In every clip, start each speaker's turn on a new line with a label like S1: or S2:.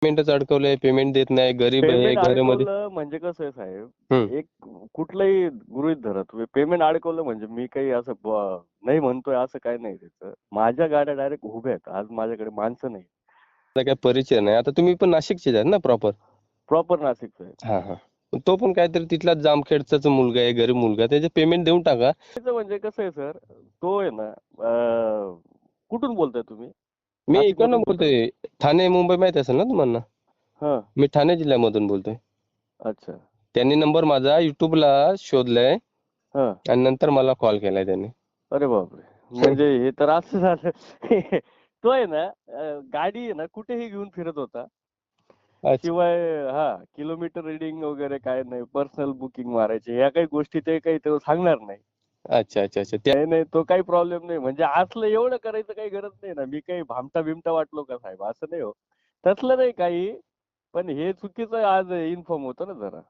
S1: पेमेंटच अडकवलंय, पेमेंट देत नाही, गरीब आहे
S2: पेमेंट
S1: घरामध्ये.
S2: अडकवलं म्हणजे कसं आहे साहेब,
S1: हम्म.
S2: एक कुठलंही गृहीत धरा तुम्ही, पेमेंट अडकवलं म्हणजे मी काही असं नाही म्हणतोय असं काही नाही त्याचं. माझ्या गाड्या डायरेक्ट उभ्या आहेत. आज माझ्याकडे माणसं नाही.
S1: मला काय परिचय नाही. आता तुम्ही पण नाशिकचेच आहेत ना प्रॉपर?
S2: प्रॉपर नाशिकचं आहे.
S1: हा हा. तो पण काहीतरी तिथलाच जामखेडचाच मुलगा आहे, गरीब मुलगा, त्याचे पेमेंट देऊन टाका.
S2: त्याचं म्हणजे कसं आहे सर, तो आहे ना, कुठून बोलताय तुम्ही?
S1: मी इकडनं
S2: नाशिकमधून कुठून?
S1: बोलतोय. ठाणे मुंबई माहित असेल ना तुम्हाला?
S2: हां.
S1: मी ठाणे जिल्ह्यामधून बोलतोय.
S2: अच्छा.
S1: त्यांनी नंबर माझा युट्यूबला शोधलाय
S2: हां.
S1: आणि नंतर मला कॉल केलाय त्यांनी.
S2: अरे बापरे! म्हणजे हे तर असं झालं. तो आहे ना, गाडी आहे ना कुठेही घेऊन फिरत होता.
S1: अच्छा
S2: शिवाय किलोमीटर रीडिंग वगैरे काय नाही, पर्सनल बुकिंग मारायचे, ह्या काही गोष्टी ते काही तो सांगणार नाही.
S1: अच्छा अच्छा अच्छा. त्या
S2: नाही, नाही, तो काही प्रॉब्लेम नाही. म्हणजे असलं एवढं करायचं काही गरज नाही ना. मी काही भामटा-बिमटा वाटलो का साहेब? असं नाही हो. तसलं नाही काही. पण हे चुकीचं आज इन्फॉर्म होतं ना जरा.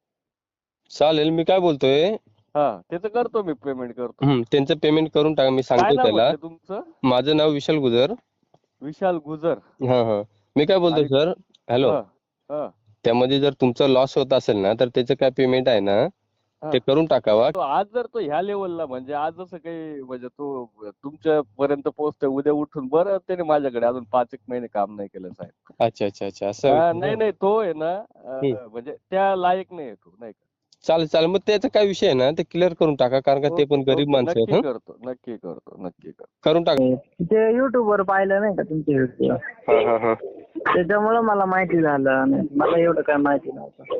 S1: चालेल. मी काय बोलतोय,
S2: त्याचं करतो मी, पेमेंट करतो.
S1: त्यांचं पेमेंट करून टाका. मी
S2: काय
S1: सांगतो
S2: नाव
S1: त्याला.
S2: म्हटलं तुमचं?
S1: माझं नाव विशाल गुजर.
S2: विशाल गुजर.
S1: हां हां. मी काय बोलतोय
S2: आणि
S1: सर, हॅलो.
S2: हां, हां,
S1: त्यामध्ये जर तुमचा लॉस होत असेल ना, तर त्याचं काय पेमेंट आहे ना,
S2: हां.
S1: ते करून टाकावा.
S2: तो आज जर तो ह्या लेव्हलला, म्हणजे आज जसं काही म्हणजे तो तुमच्यापर्यंत पोहोचतोय, उद्या उठून बरं त्याने माझ्याकडे अजून 5-1 महिने काम नाही केलं साहेब.
S1: अच्छा अच्छा अच्छा. असा विषय
S2: नाही,
S1: ना.
S2: नाही, तो आहे ना,
S1: हं.
S2: म्हणजे त्या लायक नाही आहे तो, नाही का.
S1: चालेल चालेल. मग त्याचा काय विषय आहे ना, ते क्लिअर करून टाका. कारण का ते
S2: ओके,
S1: पण गरीब
S2: ओके.
S1: माणसं आहेत.
S2: नक्की करतो, नक्की करतो, नक्की करतो.
S1: करून टाका.
S3: ते युट्यूबवर पाहिलं नाही का तुमचे व्हिडिओ,
S1: हां हां हां.
S3: त्याच्यामुळं मला माहिती झालं. आणि मला एवढं काय माहिती नव्हतं.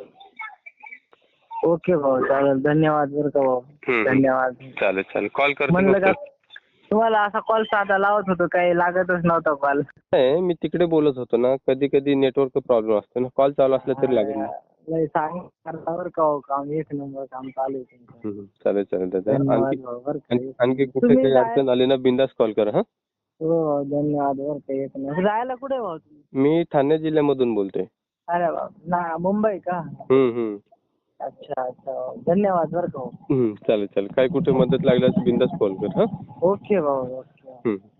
S3: ओके भाऊ, चालेल. धन्यवाद बरं का भाऊ. धन्यवाद.
S1: चालेल चालेल. कॉल करतो
S3: म्हणलं का
S1: फक्त.
S3: तुम्हाला असा कॉल साधा लावत होतो, काही लागतच नव्हता कॉल.
S1: नाही, मी तिकडे बोलत होतो ना, कधी कधी नेटवर्क प्रॉब्लेम असतो ना, कॉल चालू असला तरी लागत नाही.
S3: नाही, सांग बरं का हो, काम एक नंबर काम चालू आहे तुमचं.
S1: चालेल चालेल दादा.
S3: धन्यवाद भाऊ बरं का.
S1: आणखी कुठे
S3: तुम्ही
S1: काही अडचण आली ना, बिंदास कॉल करा. हा.
S3: हो, धन्यवाद बरं का. एक नंबर. राहायला कुठे भाऊ तुम्ही?
S1: मी ठाणे जिल्ह्यामधून बोलतोय.
S3: अरे बाप ना, मुंबई का?
S1: हम्म.
S3: अच्छा अच्छा. धन्यवाद बरं का भाऊ.
S1: चालेल चालेल. काय कुठे मदत लागल्यास बिंदास कॉल कर. हा.
S3: ओके भाऊ, ओके.